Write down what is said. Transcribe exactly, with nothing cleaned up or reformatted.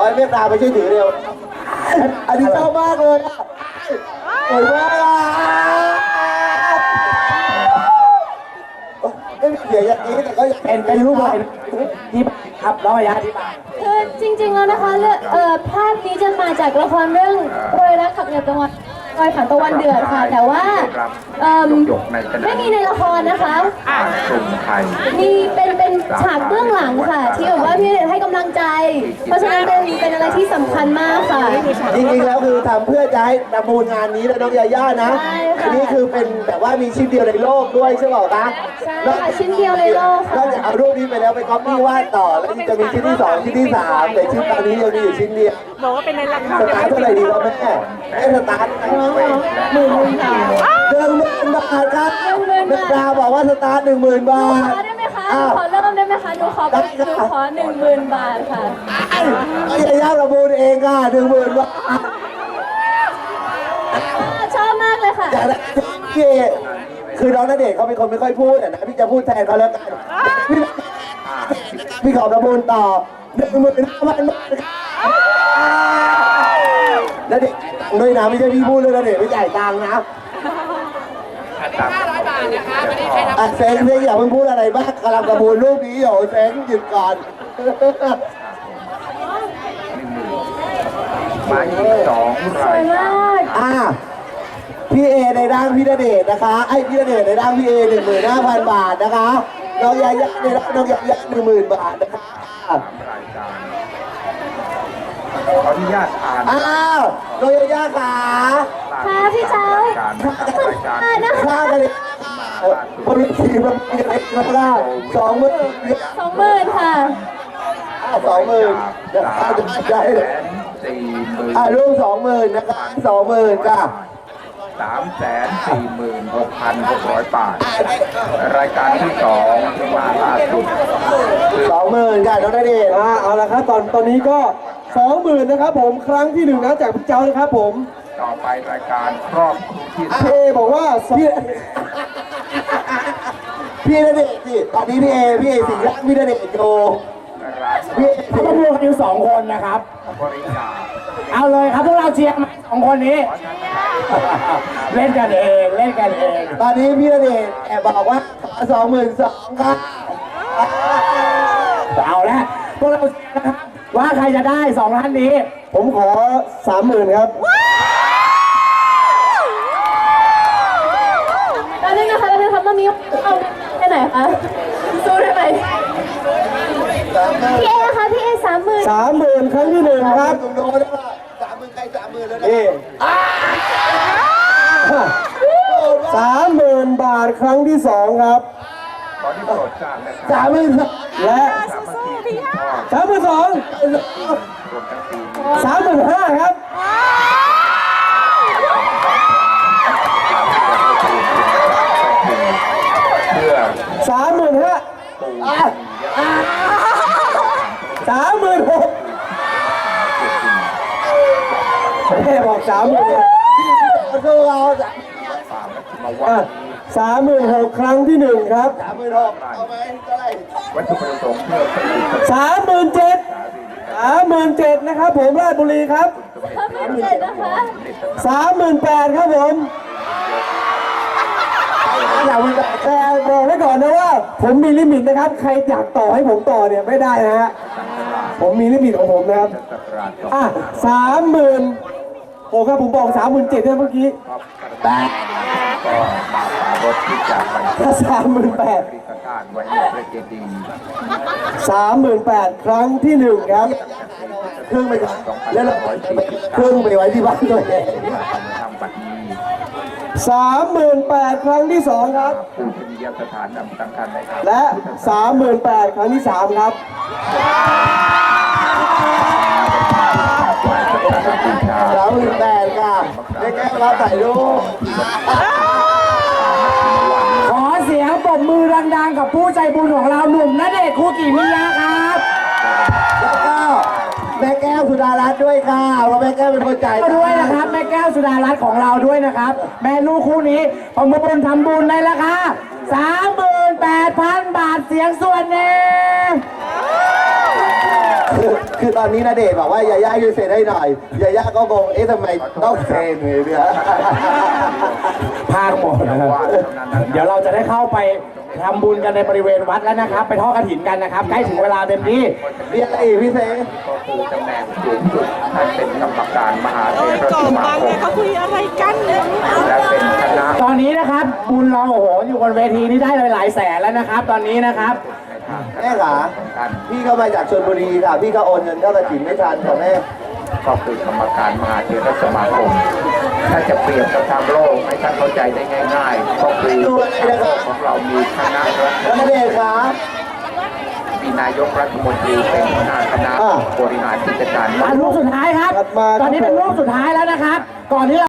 ให้เมตตาไปช่วยถือเร็วอันนี้ชอบมากเลยสวยมากไม่มีเสียงอย่างนี้แต่ก็เป็นเป็นรูปอะไรที่ครับร้อยยะที่บ้านคือจริงๆแล้วนะคะเอ่อภาพนี้จะมาจากละครเรื่องรอยรักขับเหนือตะวันรอยผ่านตะวันเดือดค่ะแต่ว่าไม่มีในละครนะคะมีเป็นเป็นฉากเบื้องหลังค่ะที่แบบว่าพี่ณเดชน์ให้กำลังใจเพราะฉะนั้นเป็นเป็นอะไรที่สำคัญมากค่ะจริงๆแล้วคือทำเพื่อจะให้ประมูลงานนี้และน้องยาย่านะอันนี้คือเป็นแบบว่ามีชิ้นเดียวในโลกด้วยใช่ไหมคะใช่ค่ะชิ้นเดียวในโลกค่ะนอกจากเอารูปนี้ไปแล้วไปก๊อปปี้วาดต่อแล้วจะมีชิ้นที่สองชิ้นที่สามแต่ชิ้นตอนนี้ยังมีอยู่ชิ้นเดียวบอกว่าเป็นในราคาสตาร์ทเท่าไหร่ดีครับแม่แม่สตาร์ทหมื่นหนึ่งค่ะหนึ่งหมื่นบาทครับแม่ดาบอกว่าสตาร์ทหนึ่งหมื่นบาทขอได้ไหมคะขอเริ่มได้ไหมคะหนูขอหนูขอหนึ่งหมื่นบาทค่ะยาย่าประมูลเองค่ะหนึ่งหมื่นบาทชอบมากเลยค่ะพี่คือน้องณเดชน์เขาเป็นคนไม่ค่อยพูดนะพี่จะพูดแทนเขาแล้วกันพี่ขอประมูลต่อหนึ่งหมื่นห้าพันบาทณเดชน์ด้วยนะไม่ใช่พี่พูดเลยณเดชน์ไม่จ่ายตังค์นะห้าร้อยบาทนะคะไม่ได้ใครทำอ่ะเซ็งเซ็งอย่าเพิ่งพูดอะไรบ้างกำลังประมูลรูปนี้อยู่เซ็งหยุดก่อนมาอีกสองรายการอ่ะพี่เอในร่างพี่ณเดชน์นะคะไอ้พี่ณเดชน์ในร่างพี่เอหนึ่งหมื่นห้าพันบาทนะคะน้องยาย่าในร่างน้องยาย่าหนึ่งหมื่นบาทนะคะรายการขออนุญาตอ่านอ้าวน้องยาย่าขาค่ะพี่เจ้าค่านะคะค่ากันเลยบริษัทมันมีอะไรกันบ้างสองหมื่นสองหมื่นค่ะสองหมื่นได้เลยสี่หมื่นอ่ะรูปสองหมื่นนะคะสองหมื่นค่ะสามแสนสี่หมื่นหกพันหกร้อยบาทรายการที่สองมาล่าสุดสองหมื่นค่ะน้องณเดชน์อ่าเอาละครับตอนตอนนี้ก็สองหมื่นนะครับผมครั้งที่หนึ่งนะจากพี่เจ้านะครับผมต่อไปรายการครอบครัวที่พี่เอบอกว่าพี่พี่ณเดชน์สิตอนนี้พี่เอพี่เอสิงห์รักพี่ณเดชน์โจพี่เขาต้องรวมกันอยู่สองคนนะครับบริการเอาเลยครับพวกเราเชียร์สองคนนี้เล่นกันเองเล่นกันเองตอนนี้พี่ณเดชน์แอบบอกว่าสองหมื่นสองครับเอาละพวกเราเชียร์นะครับว่าใครจะได้สองล้านนี้ผมขอสามหมื่นครับตอนนี้นะคะเราจะทำตอนนี้เอาแค่ไหนคะสู้ได้ไหมพี่เอคะพี่เอสามหมื่นสามหมื่นครั้งที่หนึ่งครับโดนแล้วสามหมื่นใครสามหมื่นแล้วนะสามหมื่นบาทครั้งที่สองครับตอนนี้โปรดทราบนะสามหมื่นและสามหมื่นสองสามหมื่นห้าครับสามหมื่นห้าสามหมื่นหกแม่บอกสามหมื่นคือเราสามหมื่นหกครั้งที่หนึ่งครับสามหมื่นหกเอาไหมเท่าไหร่วัตถุประสงค์เพื่อสามหมื่นเจ็ดสามหมื่นเจ็ดนะครับผมราชบุรีครับสามหมื่นเจ็ดนะคะสามหมื่นแปดครับผมอยากแต่บอกไว้ก่อนนะว่าผมมีลิมิตนะครับใครอยากต่อให้ผมต่อเนี่ยไม่ได้นะฮะผมมีลิมิตของผมนะครับอ่ะสามหมื่นโอ้ครับผมบอกสามหมื่นเจ็ดเมื่อกี้แปดสามหมื่นแปดสามหมื่นแปดครั้งที่หนึ่งครับเครื่องไปแล้วเครื่องไปไว้ที่บ้านตัวเองสามหมื่นแปดครั้งที่สองครับและสามหมื่นแปดครั้งที่สามครับสามหมื่นแปดค่ะได้แก้รับถ่ายรูปขอเสียงปรบมือดังๆกับผู้ใจบุญของเราหนุ่มณเดชน์ คุกิมิยะครับแล้วก็แม่แก้วสุดารัตน์ด้วยค่ะเพราะแม่แก้วเป็นคนจ่ายด้วยนะครับแม่แก้วสุดารัตน์ของเราด้วยนะครับแม่ลูกคู่นี้ประมูลทำบุญในราคาสามหมื่นแปดพันบาทเสียงส่วนหนึ่งคือคือตอนนี้ณเดชน์บอกว่ายาย่ายืนเซ็นให้หน่อยยาย่าก็งงเอ๊ะทำไมต้องเซ็นเนี่ยพลาดหมดนะครับเดี๋ยวเราจะได้เข้าไปทำบุญกันในบริเวณวัดแล้วนะครับ ไปทอดกฐินกันนะครับใกล้ถึงเวลาเต็มที่เรียกอะไรอีกพี่เซก็คือตำแหน่งสูงสุดท่านเป็นกรรมการมหาเถรก่อสนมาบางคเนี่มยเขาคุยอะไรกันเนี่ยและเป็นคณะตอนนี้นะครับบุญเราโอ้โหอยู่บนเวทีนี้ได้หลายๆแสนแล้วนะครับ ตอนนี้นะครับแม่ขาพี่ก็มาจากชลบุรีค่ะพี่ก็โอนเงินเข้ากฐินไม่ทันค่ะแม่ก็คือกรรมการมหาเถรสมาคม ถ้าจะเปรียบกับทางโลกให้ท่านเข้าใจได้ง่ายๆ ก็คือของเรามีคณะรัฐแล้วณเดชน์ขามีนายกรัฐมนตรีเป็นหัวหน้าคณะบริหารกิจการมาลูกสุดท้ายครับ ตอนนี้เป็นลูกสุดท้ายแล้วนะครับ ก่อนที่เรา